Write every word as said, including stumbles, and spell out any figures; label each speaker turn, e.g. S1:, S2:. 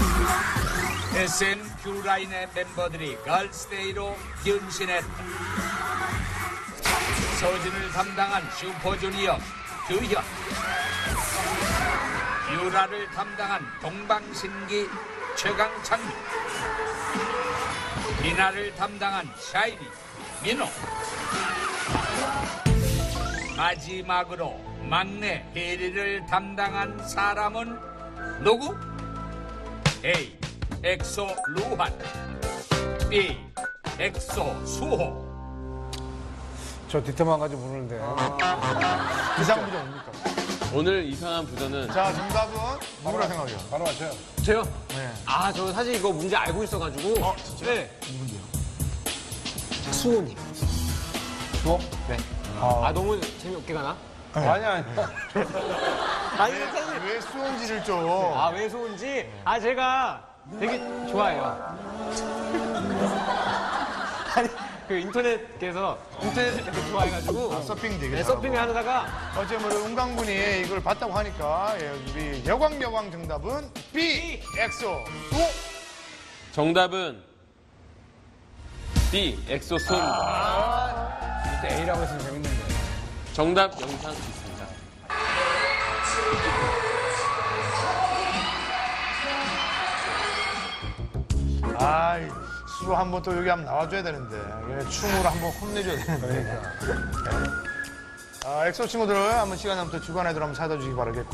S1: 에스엠 큐라인의 멤버들이 걸스데이로 변신했다. 서진을 담당한 슈퍼주니어 규현, 큐라를 담당한 동방신기 최강창민, 미나를 담당한 샤이니 민호, 마지막으로 막내 혜리를 담당한 사람은 누구? A. 엑소 루한, B. 엑소 수호.
S2: 저 뒷태만 가지고 부르는데. 이상한 부자 뭡니까?
S3: 오늘 이상한 부자는
S2: 자, 정답은 누구라 생각해요?
S4: 바로 맞춰요.
S3: 저요?
S2: 네.
S3: 아, 저 사실 이거 문제 알고 있어가지고.
S2: 어, 진짜?
S3: 네.
S2: 누군데요?
S3: 수호님.
S2: 수호?
S3: 네.
S2: 아,
S3: 아, 너무 재미없게 가나?
S2: 아니, 아니.
S3: 아니, 사실.
S2: 왜 수호인지를 좀.
S3: 아, 왜 수호인지? 아, 제가 되게 좋아해요. 아니, 그 인터넷에서 인터넷을 되게 좋아해가지고.
S2: 아, 서핑 되게
S3: 네,
S2: 잘하고.
S3: 서핑을 하다가.
S2: 어쨌든 우리 은광군이 이걸 봤다고 하니까 예, 우리 여광 여광 정답은 B. 엑소 수호.
S3: 정답은 B. 엑소 수호입니다.
S4: 그때 A라고 했으면 재밌는데.
S3: 정답 영상 있습니다.
S2: 아이, 수호 한번 또 여기 한번 나와줘야 되는데 예, 춤으로 한번 혼내줘야 되는데. 아, 엑소 친구들 한번 시간 나면 또 주간에도 한번 찾아주시기 바라겠고.